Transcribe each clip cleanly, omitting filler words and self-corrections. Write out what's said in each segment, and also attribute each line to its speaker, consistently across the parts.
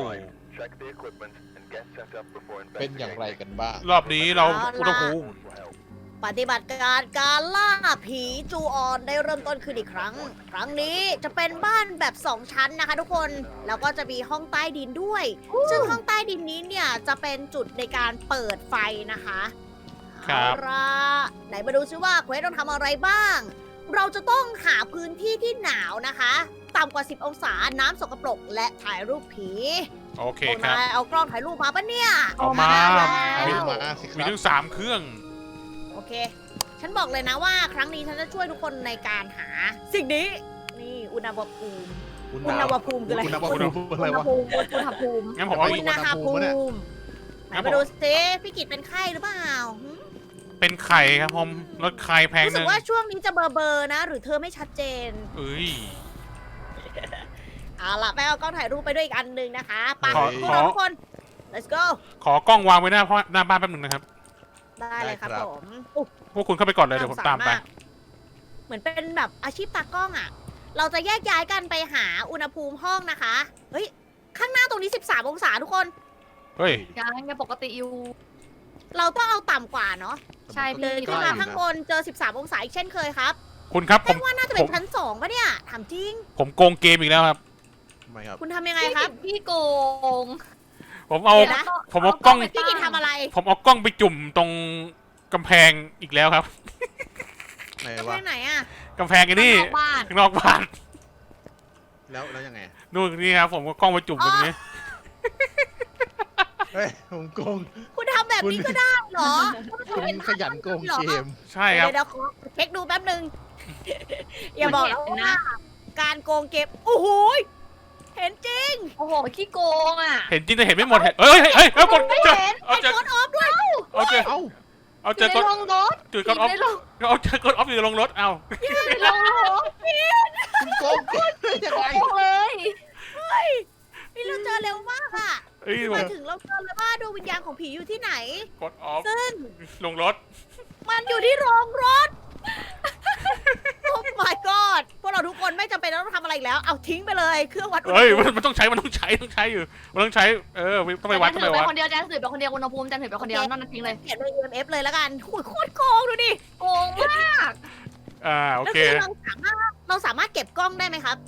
Speaker 1: เป็นอย่างไรกันบ้าง
Speaker 2: รอบนี้เราอุณหภูมิ
Speaker 3: ปฏิบัติการล่าผีจูออนได้เริ่มต้นขึ้นอีกครั้ง ครั้งนี้จะเป็นบ้านแบบ2ชั้นนะคะทุกคน แล้วก็จะมีห้องใต้ดินด้วย ซึ่งห้องใต้ดินนี้เนี่ยจะเป็นจุดในการเปิดไฟนะคะ
Speaker 2: ครับ
Speaker 3: เอาล่ะไหนมาดูซิว่าเควสต้องทำอะไรบ้าง เราจะต้องหาพื้นที่ที่หนาวนะคะ ต่ำกว่า 10 องศา น้ำสกปรกและถ่ายรูปผี
Speaker 2: โอเค
Speaker 3: พวก
Speaker 2: ครับ
Speaker 3: นายเอากล้องถ่ายรูปมาปะเนี่ย
Speaker 2: เอามา
Speaker 1: เอา
Speaker 2: มี
Speaker 1: มาสิค
Speaker 2: มี
Speaker 1: รับ
Speaker 2: ถึง3เครื่อง
Speaker 3: โอเค ฉันบอกเลยนะว่าครั้งนี้ฉันจะช่วยทุกคนในการหาสิ่งนี้ นี่อุณหภูมิ อุณหภูมิคืออะไร
Speaker 1: อุณหภูมิอะไร
Speaker 3: อุณห
Speaker 1: วะ
Speaker 3: ภูมิอุณหภูมิ
Speaker 2: งั้นผมเอา
Speaker 3: อุ
Speaker 2: อีก
Speaker 3: ณหภูมิ ไหน
Speaker 2: ครับผม
Speaker 3: มาดูสิพี่กิตเป็นไข้หรือเปล่าหึ
Speaker 2: เป็นไข่ครับผมลดไข่แพง
Speaker 3: รู้
Speaker 2: ห
Speaker 3: สึ
Speaker 2: นึ่
Speaker 3: ก
Speaker 2: ง
Speaker 3: ว่าช่วงนี้จะเบลอๆนะ หรือเธอไม่ชัดเจน
Speaker 2: เอ้ย
Speaker 3: เอาล่ะไปเอากล้องถ่ายรูปไปด้วยอีกอันหนึ่งนะคะไป
Speaker 2: ขอ
Speaker 3: พวกเราทุกคน let's go
Speaker 2: ขอกล้องวางไว้หน้าบ้านแป๊บหนึงนะครับ
Speaker 3: ได้เลยครับ
Speaker 1: ได้ครับ
Speaker 3: ผมอุ๊ย
Speaker 2: พวกคุณเข้าไปก่อนเลยเดี๋ยวผมตามไป
Speaker 3: เหมือนเป็นแบบอาชีพตากล้องอ่ะ เราจะแยกย้ายกันไปหาอุณหภูมิห้องนะคะ เฮ้ย ข้างหน้าตรงนี้ 13 องศาทุกคน
Speaker 2: เฮ้ย
Speaker 4: ยังปกติอยู่
Speaker 3: เราต้องเอาต่ำกว่าเนาะ
Speaker 4: ใช่
Speaker 3: เดิน
Speaker 4: พี่
Speaker 3: ขึ้นมาข้างบนเจอ 13 องศาอีกเช่นเคยครับ
Speaker 2: คุณครับผ
Speaker 3: แป้
Speaker 2: ม
Speaker 3: งว่าน่าจะเป็นชั้น2ปะเนี่ย ถามจริง
Speaker 2: ผมโกงเกมอีกแล้วครับ
Speaker 1: ทำไมครับ
Speaker 3: คุณทำยังไงครับ
Speaker 4: พี่โกง
Speaker 2: ผมเอา
Speaker 3: เดี๋ยวนะ
Speaker 2: ผมเอากล้อง
Speaker 3: พี่กินทำอะไร
Speaker 2: ผมเอากล้องไปจุ่มตรงกำแพงอีกแล้วครับ
Speaker 1: ไหน
Speaker 3: ไป
Speaker 1: วะ
Speaker 3: ไหนอ่ะ
Speaker 2: กำแพงไอ้นี่
Speaker 4: ข้างนอกบ้าน
Speaker 2: ข้างนอกบ้าน
Speaker 1: แล้วยังไง
Speaker 2: นู่นนี่ครับผมก็กล้องไปจุ่มตรงนี้
Speaker 1: เฮ้ยผมโกง
Speaker 3: คุณทำแบบนี้ก็ได้เหรอ
Speaker 1: คุณขยันโกงเกม
Speaker 2: ใช่ครับ
Speaker 3: เดี๋ยวขอเช็คดูแป๊บนึง อย่าบอกนะว่าการโกงเก็บ โอ้โหยเห็นจริง
Speaker 4: โอ้โหขี้โกงอ่ะ
Speaker 2: เห็นจริงแต่เห็นไม่หมดเฮ้ยเฮ้ยเฮ้ยกดเจอเอา
Speaker 3: เห็น
Speaker 2: เจอก
Speaker 3: ดออฟด้วย
Speaker 2: เอาเจอ
Speaker 1: เอ้า
Speaker 2: เอา
Speaker 4: อ
Speaker 2: เจอยู่ ก
Speaker 4: ใน
Speaker 2: ด
Speaker 4: โรงรถ
Speaker 2: จุดกดออฟ
Speaker 4: ในโรง
Speaker 2: เอาเจอกดออฟอยู่ในโรงรถเอ้า
Speaker 4: ในโรงรถ
Speaker 1: คุณโกงเกมได้ยังไง
Speaker 4: โกงเลย
Speaker 3: นี่เราเจอเร็วมากอ่ะ
Speaker 2: เอ้ย
Speaker 3: มาถึงเราเจอเลยว่าดวงวิญญาณของผีอยู่ที่ไหน
Speaker 2: กดออฟ
Speaker 3: ซึ่ง
Speaker 2: ลงรถ
Speaker 3: มันอยู่ที่โรงรถ โอ้ my god พวกเราทุกคนไม่จำเป็นต้องทำอะไรอีกแล้ว เอาทิ้งไปเลยเครื่องวัดอุณห
Speaker 2: เฮ้ย
Speaker 3: ภูมิ
Speaker 2: มันต้องใช้อยู่มันต้องใช้ต้องไปวัดต้อง
Speaker 4: ถื
Speaker 2: ไป
Speaker 4: อไป
Speaker 2: วัด
Speaker 4: คนเดียวแจนถือไปคนเดียวอุณหภูมิแจนถือไปคนเดียวนอกนั้นทิ้งเลย
Speaker 3: เขียนเป็น EMF เลยแล้วกันโอ้ยโคตรโกงดูดิ
Speaker 4: โกงมาก
Speaker 2: โอ
Speaker 3: แล้ว
Speaker 2: เค
Speaker 3: คือเราสามารถเก็บกล้องได้ไหมครับ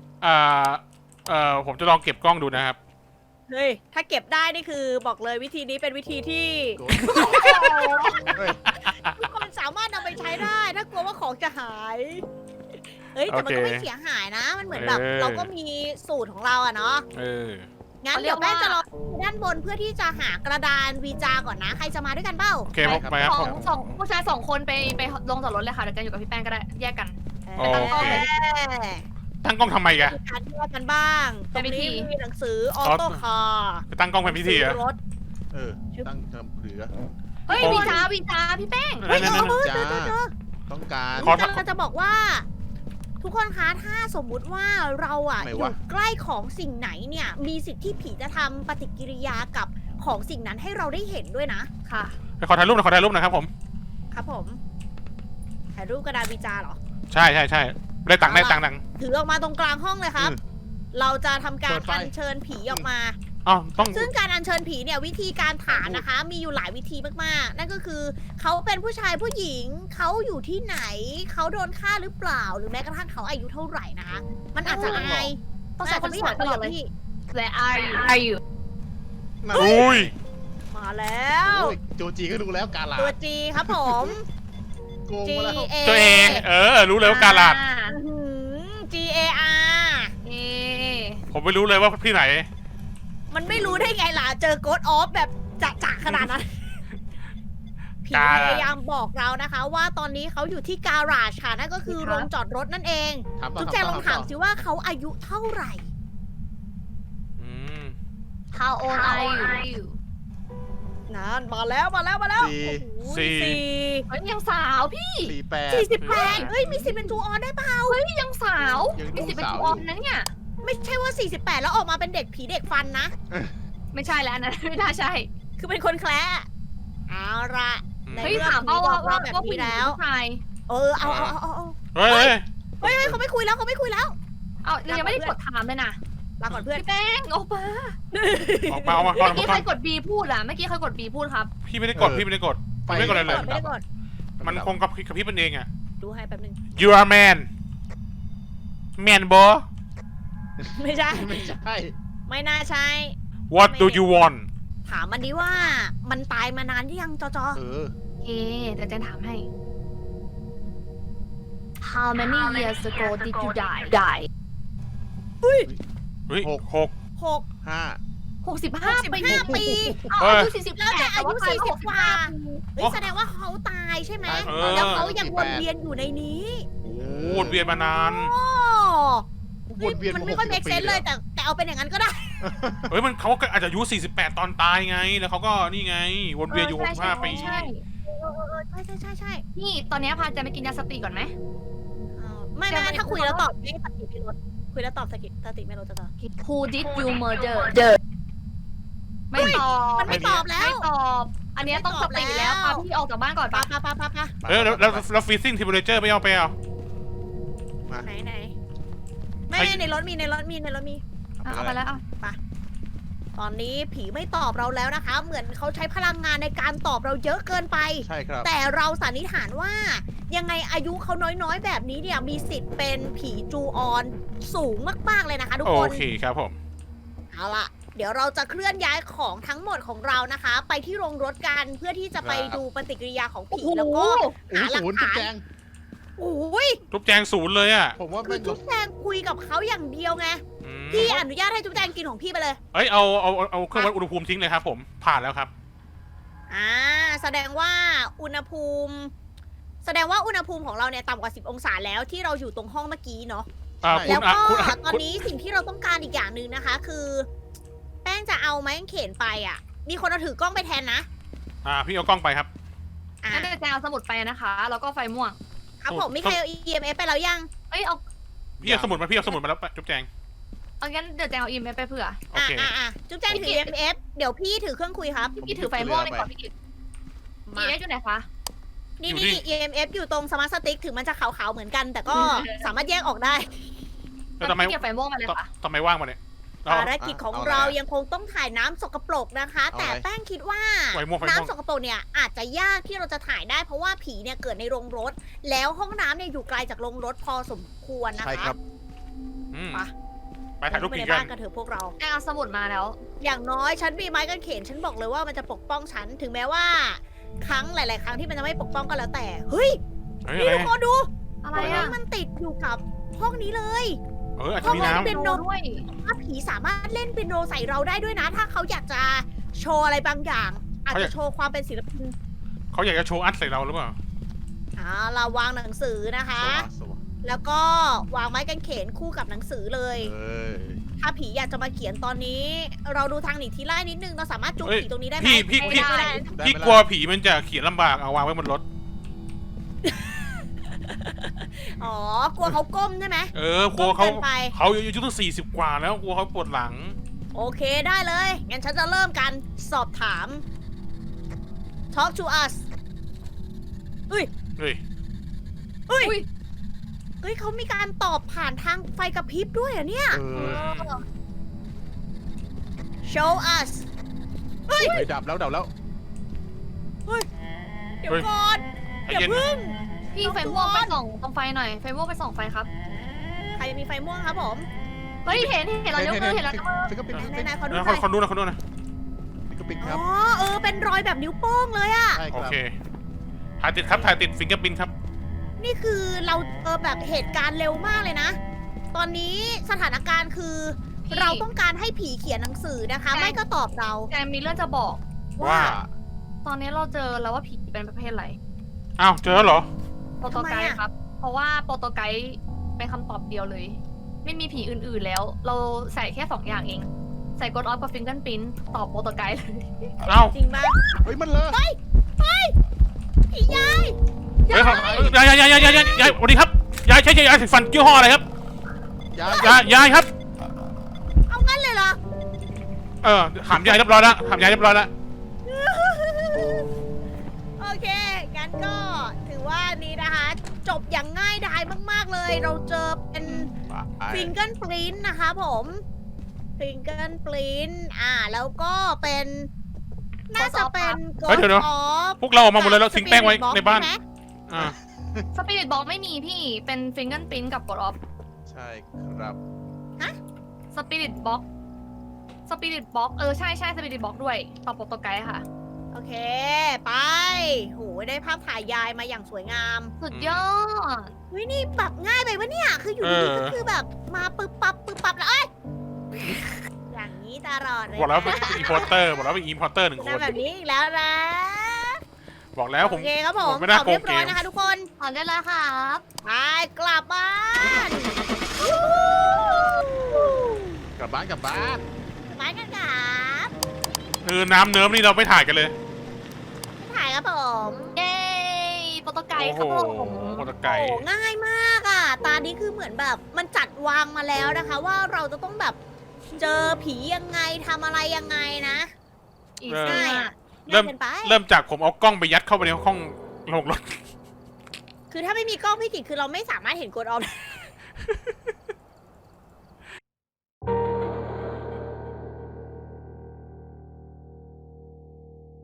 Speaker 2: ผมจะลองเก็บกล้องดูนะครับ
Speaker 3: เฮ้ย ถ้าเก็บได้นี่คือบอกเลยวิธีนี้เป็นวิธีที่
Speaker 1: โกงเฮ้ย
Speaker 3: ทุกคนสามารถนำไปใช้ได้ ถ้ากลัวว่าของจะหาย เฮ้ย แต่มันก็ไม่เสียหายนะ มันเหมือนแบบ เราก็มีสูตรของเราอะเนาะ
Speaker 2: เออ
Speaker 3: งั้นเดี๋ยวแม่จะรอด้านบนเพื่อที่จะหากระดานวีจาก่อนนะ ใครจะมาด้วยกันเปล่า
Speaker 2: โอเคไปครับ
Speaker 4: สองผู้ชาย2 คนไปลงจอดรถเลยค่ะเดี๋ยวแจนอยู่กับพี่แป้งก็ได้แยกกัน
Speaker 2: โอ
Speaker 4: ตั้งกล้อง
Speaker 2: เค
Speaker 4: เลย
Speaker 2: ตั้งกล้องทำไมแก
Speaker 3: มีการแยกกันบ้างตรงนี้มีหนังสือออโต้คาร์
Speaker 2: ไปตั้งกล้องเป็นพิธีอะ
Speaker 3: รถ
Speaker 1: ตั้งทำเหลือ
Speaker 4: เฮ้ยวีจ้าพี่แป้ง
Speaker 3: เฮ้ย
Speaker 1: จ้า
Speaker 3: เจอ
Speaker 1: ต้องการ
Speaker 2: ขอ
Speaker 3: เราจะบอกว่า ทุกคนคะถ้าสมมุติว่าเราอะอ
Speaker 1: ทำไม
Speaker 3: ยู่
Speaker 1: วะ
Speaker 3: ใกล้ของสิ่งไหนเนี่ย มีสิทธิ์ที่ผีจะทำปฏิกิริยากับของสิ่งนั้นให้เราได้เห็นด้วยนะ
Speaker 4: ค่ะ
Speaker 2: ไปขอถ่ายรูปนะครับผม
Speaker 3: ครับผมถ่ายรูปกระดาษวีจาเหรอ
Speaker 2: ใช่ได้ตังค์
Speaker 3: ถือออกมาตรงกลางห้องเลยครับ เราจะทำการอัญเชิญผีออกมา
Speaker 2: อ๋อต้อง
Speaker 3: ซึ่งการอัญเชิญผีเนี่ยวิธีการถามนะคะ มีอยู่หลายวิธีมากๆ นั่นก็คือเขาเป็นผู้ชายผู้หญิงเขาอยู่ที่ไหน เขาโดนฆ่าหรือเปล่า หรือแม้กระทั่งเขาอายุเท่าไหร่นะคะ มันอาจจะอาย
Speaker 4: ต้องใช้คนสวยตลอดเลย
Speaker 3: พี่
Speaker 4: และอายุ
Speaker 2: อุ้ย
Speaker 3: มาแล้ว
Speaker 1: โจจีก็ดูแล้วกาลา
Speaker 3: ตัวจีครับผม
Speaker 1: โกง
Speaker 3: G
Speaker 1: มาแล้ว
Speaker 3: A
Speaker 2: ตัวเองรู้เลยว่าการลาด
Speaker 3: G A R
Speaker 4: เอ
Speaker 2: ผมไม่รู้เลยว่าที่ไหน
Speaker 3: มันไม่รู้ได้ไงล่ะ เจอโกดออฟแบบจะขนาดนั้น ผีพยายามบอกเรานะคะ ว่าตอนนี้เขาอยู่ที่การาจค่ะ นั่นก็คือโรงจอดรถนั่นเอง
Speaker 1: ถามต่อ
Speaker 3: จุ๊บแจงลองถามสิว่าเขาอายุเท่าไหร่
Speaker 2: อืม
Speaker 4: How old are you
Speaker 3: นั่นมาแล้ว
Speaker 1: สี่
Speaker 3: โอ้โห
Speaker 2: สี่
Speaker 3: สี่
Speaker 4: เฮ้ยยังสาวพี่
Speaker 1: 48
Speaker 3: 48เฮ้ย มีสิทธิ์เป็นจูออนได้ปะ
Speaker 4: เฮ้ยยังสาว
Speaker 1: ยังดู
Speaker 4: มีสิทธิ์เป็น
Speaker 1: สาว
Speaker 4: จูออนนะเนี่ย
Speaker 3: ไม่ใช่ว่า 48 แล้วออกมาเป็นเด็กผีเด็กฟันนะ
Speaker 4: ไม่ใช่แล้วนะไม่น่าใช่
Speaker 3: คือเป็นคนแคละเอาละ ใน
Speaker 4: เฮ้ย
Speaker 3: เมื่อ
Speaker 4: ถาม
Speaker 3: ผีบ
Speaker 4: ว่า
Speaker 3: อกเราแบบ
Speaker 4: ผู้
Speaker 3: นี้
Speaker 4: หญิง
Speaker 3: แล้ว
Speaker 4: ผู้ชาย
Speaker 3: เอา
Speaker 2: เฮ้ย
Speaker 3: เฮ้ยเขาไม่คุยแล้ว
Speaker 4: เอายังไม่ได้กดถามเลยนะ
Speaker 3: ลาก่อนเพื่อน
Speaker 4: พี่แป้งออกมา
Speaker 2: ออกมาออกมาก่อนอ
Speaker 4: เมื่
Speaker 2: อ
Speaker 4: อก กี้
Speaker 2: มา
Speaker 4: ใค
Speaker 2: ก่
Speaker 4: ร
Speaker 2: อน
Speaker 4: กด B พูดอะเมื่อกี้ใครกด B พูดครับ
Speaker 2: พี่ไม่ได้กดพี่ไม่ได้กด
Speaker 1: ไฟ
Speaker 2: ไม่ได้กดอะไรเลย
Speaker 3: ไม่ได้กด
Speaker 2: มันคงกับพี่มันเองอ่ะ
Speaker 3: ดูให้แป๊บนึง
Speaker 2: You are man man bo
Speaker 3: ไม่ใช่
Speaker 1: ไม่ใช่
Speaker 3: ไม่น่าใช่
Speaker 2: What do you want
Speaker 3: ถามมันดิว่ามันตายมานานหรือยังจอ
Speaker 1: เออ
Speaker 4: โอเคเดี๋ยวเจนถามให้ How many years ago did you die
Speaker 2: เฮ้ย
Speaker 1: หก
Speaker 2: หก
Speaker 3: 6
Speaker 1: 5
Speaker 4: 65
Speaker 3: 65 ปี
Speaker 4: เอาอายุ40
Speaker 3: แล้วแต่อายุ
Speaker 4: แต่ว่ต
Speaker 3: 40 กว่า เฮ้ยแสดงว่าเขาตายใช่ไหม แล้วเขายังวนเวียนอยู่ในนี้
Speaker 2: โอ้วนเวียนมานาน
Speaker 3: โอ้
Speaker 1: วนเวียน
Speaker 3: มันไม่ค่อย
Speaker 1: 60
Speaker 3: เมกเซน
Speaker 1: ปี
Speaker 3: เลย แต่เอาเป็นอย่างนั้นก็ได้
Speaker 2: เฮ้ยมันเขาก็อาจจะอายุ48ตอนตายไง แล้วเขาก็นี่ไง วนเวียนอยู่65ปี
Speaker 4: ใช่
Speaker 3: ใช่
Speaker 4: นี่ตอนนี้พาจะไปกินยาสติก่อนไหม
Speaker 3: ไม่ถ้าคุยแล้วตอบไม่สติไม่ลดคุยแล้วตอบสติไม่ลดจะตอบ
Speaker 4: Who did you murder ไม่ตอบ
Speaker 3: มันไม่ตอบแล้ว
Speaker 4: ไม่ตอบ อันนี้ต้องสติแล้วพาพี่ออกจากบ้านก่อน
Speaker 3: ปะ
Speaker 4: ปะ
Speaker 3: ปะ
Speaker 2: เฮ้ยแล้วฟีซิ่งทิมูเลเจอร์ไม่เอาไปเอา
Speaker 3: ไหนไม่ในรถมี
Speaker 4: เอาไปแล้วเอา
Speaker 3: ตอนนี้ผีไม่ตอบเราแล้วนะคะ เหมือนเขาใช้พลังงานในการตอบเราเยอะเกินไป
Speaker 1: ใช่ครับ
Speaker 3: แต่เราสันนิษฐานว่า ยังไงอายุเขาน้อยๆ แบบนี้เนี่ยมีสิทธิ์เป็นผีจูออนสูงมากๆเลยนะคะทุก
Speaker 2: โอ
Speaker 3: คน
Speaker 2: เคครับผม
Speaker 3: เอาล่ะ เดี๋ยวเราจะเคลื่อนย้ายของทั้งหมดของเรานะคะ ไปที่โรงรถกันเพื่อที่จะไปดูปฏิกิริยาของผีแล้วก็
Speaker 1: โอ้โหศูนย์จุดแจง
Speaker 3: โอ้ย
Speaker 2: ทุบแจงศูนย์เลยอ่ะ
Speaker 1: ผมว่า
Speaker 3: คื
Speaker 1: ไม่
Speaker 3: อจุ๊บแจงคุยกับเขาอย่างเดียวไง
Speaker 2: อืม
Speaker 3: พี่อนุญาตให้จุ๊บแจงกินของพี่ไปเลย
Speaker 2: เอ้ยเอาเครื่องวัดอุณหภูมิทิ้งเลยครับผม ผ่านแล้วครับ
Speaker 3: แสดงว่าอุณหภูมิของเราเนี่ยต่ำกว่า 10 องศาแล้วที่เราอยู่ตรงห้องเมื่อกี้เนาะ
Speaker 2: คุ
Speaker 3: แล้
Speaker 2: ณ
Speaker 3: ว
Speaker 2: อ่ะ
Speaker 3: ก็
Speaker 2: คุณอ่ะ
Speaker 3: ตอนนี้สิ่งที่เราต้องการอีกอย่างหนึ่งนะคะ คือ แป้งจะเอาไม้กางเขนไปอ่ะ มีคนเอาถือกล้องไปแทนนะ
Speaker 2: พี่เอากล้องไปครับ
Speaker 3: อ่ะ
Speaker 4: งั้นเดี๋ยวแจงเอาสมุดไปนะคะ แล้วก็ไฟม่วง
Speaker 3: ครับผมมีใครเอา EMF ไปแล้วยัง
Speaker 4: เอ้ยเอา
Speaker 2: พี่เอาสมุดมาแล้วจุ๊บแจง
Speaker 4: เอางั้นเดี๋ยวแจงเอาอีเมลไปเผื่อ
Speaker 2: โอเค
Speaker 3: จุ๊บแจงถือ EMF เดี๋ยวพี่ถือเครื่องคุยครับ
Speaker 4: พี่ถือไฟม่วงไปก่อนพี่กิต
Speaker 3: มา
Speaker 4: อีเมลอยู่ไหนคะ
Speaker 3: นี่
Speaker 2: อยู่ที่
Speaker 3: EMF อยู่ตรงสมาร์ทสติ๊กถึงมันจะขาวๆเหมือนกัน แต่ก็สามารถแยกออกได้
Speaker 2: แล้วทำไม
Speaker 4: พี่เก็บไฟม่วงมาเลยค่ะ
Speaker 2: ทำไมว่างมาเนี่ย
Speaker 3: ภารกิจของเรายังคงต้องถ่ายน้ำสกปรกนะคะ แต่แป้งคิดว่า
Speaker 2: ไฟม่วง
Speaker 3: น้ำสกปรกเนี่ยอาจจะยากที่เราจะถ่ายได้เพราะว่าผีเนี่ยเกิดในโรงรถ แล้วห้องน้ำเนี่ยอยู่ไกลจากโรงรถพอสมควรนะคะ
Speaker 1: ใช่ครับ
Speaker 2: อืม
Speaker 3: ไป
Speaker 2: ไปถ่ายรูป
Speaker 3: ไป
Speaker 2: ผี
Speaker 3: ใน
Speaker 2: กั
Speaker 3: บ้าน นกันเถอะพวกเรา
Speaker 4: แจงเอาสมุดมาแล้ว
Speaker 3: อย่างน้อยฉันมีไม้กางเขนฉันบอกเลยว่ามันจะปกป้องฉันถึงแม้ว่า ครั้งหลาย ๆ ครั้งที่มันจะไม่ปกป้องก็แล้วแต่เฮ้ย
Speaker 2: เฮ้ย
Speaker 3: นี่
Speaker 2: อะไร
Speaker 3: ทุกคนดู
Speaker 4: อะไร
Speaker 3: ตรง
Speaker 4: อ่ะ
Speaker 3: นี้มันติดอยู่กับห้องนี้เลย
Speaker 2: อาจจะมีน้
Speaker 3: เป็นโน
Speaker 4: ด้วย
Speaker 3: ว่าผีสามารถเล่นเปียโนใส่เราได้ด้วยนะ ถ้าเขาอยากจะโชว์อะไรบางอย่าง อาจจะโชว์ความเป็นศิลปิน
Speaker 2: ำเขาอยากจะโชว์อัดใส่เราหรือเปล่า
Speaker 3: เราวางหนังสือนะคะ
Speaker 1: สวะ
Speaker 3: แล้วก็วางไม้กางเขนคู่กับหนังสือเลย
Speaker 1: เอ้ย
Speaker 3: ถ้าผีอยากจะมาเขียนตอนนี้ เราดูทางหนีทีไล่นิดนึงเราสามารถจุก
Speaker 2: เอ้ย
Speaker 3: ผีตรงนี้ได้ไหม
Speaker 2: พี่
Speaker 3: ไม่ได้
Speaker 1: ได้
Speaker 2: พี่
Speaker 1: ไหม
Speaker 2: กลัว
Speaker 1: ล่ะ
Speaker 2: ผีมันจะเขียนลำบากเอาวางไว้บนรถ
Speaker 3: อ๋อกลัวเขาก้มใช่ไหม
Speaker 2: กลัวเขา
Speaker 3: ก้มกินไป
Speaker 2: เขาอายุตั้ง40 กว่าแล้วกลัวเขาปวดหลัง
Speaker 3: โอเคได้เลย งั้นฉันจะเริ่มกันสอบถาม Talk to us
Speaker 2: เฮ้ย
Speaker 3: เฮ้ยเขามีการตอบผ่านทางไฟกระพริบด้วยเหรอะเนี่ย
Speaker 1: เออ
Speaker 3: Show us
Speaker 1: เฮ้ยดับแล้ว
Speaker 3: เดี๋ยวก่อน
Speaker 2: ใจ
Speaker 3: อย่า
Speaker 2: เย็น
Speaker 3: พึ่ง
Speaker 4: พี่ไฟม่วงไปส่องตรงไฟหน่อย ไฟม่วงไปส่องไฟครับ
Speaker 3: ใครมีไฟม่วงครับผม
Speaker 4: เฮ้ยเห็นเรายกมือเห็นเรายกมือ
Speaker 1: ฟิกเกอร์ปิน
Speaker 3: ไหนๆขอดู
Speaker 2: นะ
Speaker 3: หน่อย
Speaker 2: คนนู้นนะคนนู้นนะ
Speaker 1: ฟิกเกอร์ปินค
Speaker 3: อ๋
Speaker 1: รับ
Speaker 3: อเป็นรอยแบบนิ้วโป้งเลยอะ
Speaker 1: ใช่ค
Speaker 2: โอ
Speaker 1: รับ
Speaker 2: เค ถ่ายติดครับ ถ่ายติดฟิงเกอร์ปินครับ
Speaker 3: นี่คือเราแบบเหตุการณ์เร็วมากเลยนะ ตอนนี้สถานการณ์คือ เราต้องการให้ผีเขียนหนังสือนะคะ ไม่ก็ตอบเรา
Speaker 4: แจงมีเรื่องจะบอก
Speaker 2: ว่า
Speaker 4: ตอนนี้เราเจอแล้วว่าผีเป็นประเภทอะไร
Speaker 2: อ้าว เจอแล้วเหรอ
Speaker 4: โปรโตไกด์ครับ เพราะว่าโปรโตไกด์เป็นคำตอบเดียวเลย ไม่มีผีอื่นๆแล้ว เราใส่แค่2อย่างเอง ใส่กดออฟกับฟิงเกิลปิ้นตอบโปรโตไกด์เลย
Speaker 2: อ้าว
Speaker 3: จริงปะ
Speaker 1: เฮ้ยมันเลย
Speaker 3: ผียาย
Speaker 2: เฮ้ยยายสวัสดีครับ ยายใช้ยาสีฟันยี่ห้ออะไรครับ ยายครับ
Speaker 3: เอางั้นเลยเหรอ
Speaker 2: ถามยายเรียบร้อยแล้ว
Speaker 3: โอเค งั้นก็ถือว่านี้นะคะ จบอย่างง่ายดายมากๆเลย เราเจอเป็นฟิงเกิลปรินนะคะผมฟิงเกิลปรินแล้วก็เป็นน่าจะเป็น
Speaker 2: เฮ้ยเดี๋ยว พวกเราออกมาหมดเลยเราทิ้งแป้งไว้ในบ้าน อ่า
Speaker 4: สปิริตบ็อกไม่มีพี่เป็นฟิงเกิลปิ้นกับกดออฟ
Speaker 1: ใช่ครับ
Speaker 4: สปิริตบ็อกใช่สปิริตบ็อกด้วยต่อโปรโตไกด์ค่ะ
Speaker 3: โอเค ไปโหได้ภาพถ่ายยายมาอย่างสวยงาม
Speaker 4: สุดยอด
Speaker 3: วินี่แบบง่ายไปวะเนี่ย คืออยู่ดีๆก็คือแบบมาปึ๊บปั๊บแล้วเอ้ยอย่างนี้ตลอดเลย
Speaker 2: บอกแล้วเป็น
Speaker 3: นะ
Speaker 2: อีพอร์เตอร์บอกแล้วเป็นอีพอร์เตอร์หนึ่งคน
Speaker 3: ทำแบบนี้อีกแล้วนะ
Speaker 2: บอกแล้วผม
Speaker 3: โอเคครับผม
Speaker 2: ไม่น่า
Speaker 3: ตอบเรียบร้อย
Speaker 2: โกงเกม
Speaker 3: นะคะทุกคน
Speaker 4: ถอนได้แล้วครับ
Speaker 3: ไปกลับบ้าน
Speaker 1: กลับบ้านกลับบ้าน
Speaker 3: ไปกันครับ
Speaker 2: น้ำเนิ้มนี่เราไม่ถ่ายกันเลย
Speaker 3: ถ่ายครับผม
Speaker 4: เย้โปรโตไกด์
Speaker 2: โอ้
Speaker 4: ค
Speaker 2: โห
Speaker 4: รับผม
Speaker 2: โปรโตไกด์
Speaker 3: โอ้ง่ายมากอ่ะ ตานี้คือเหมือนแบบมันจัดวางมาแล้วนะคะ ว่าเราจะต้องแบบเจอผียังไงทำอะไรยังไงนะ
Speaker 4: อีก
Speaker 3: ง่าย
Speaker 4: สี่
Speaker 3: อ่ะ
Speaker 2: เริ่ม
Speaker 3: ง่ายเกินไป
Speaker 2: เริ่มจากผมเอากล้องไปยัดเข้าไปในห้องลงรถ
Speaker 3: คือถ้าไม่มีกล้องพี่กิจคือเราไม่สามารถเห็นกดออฟ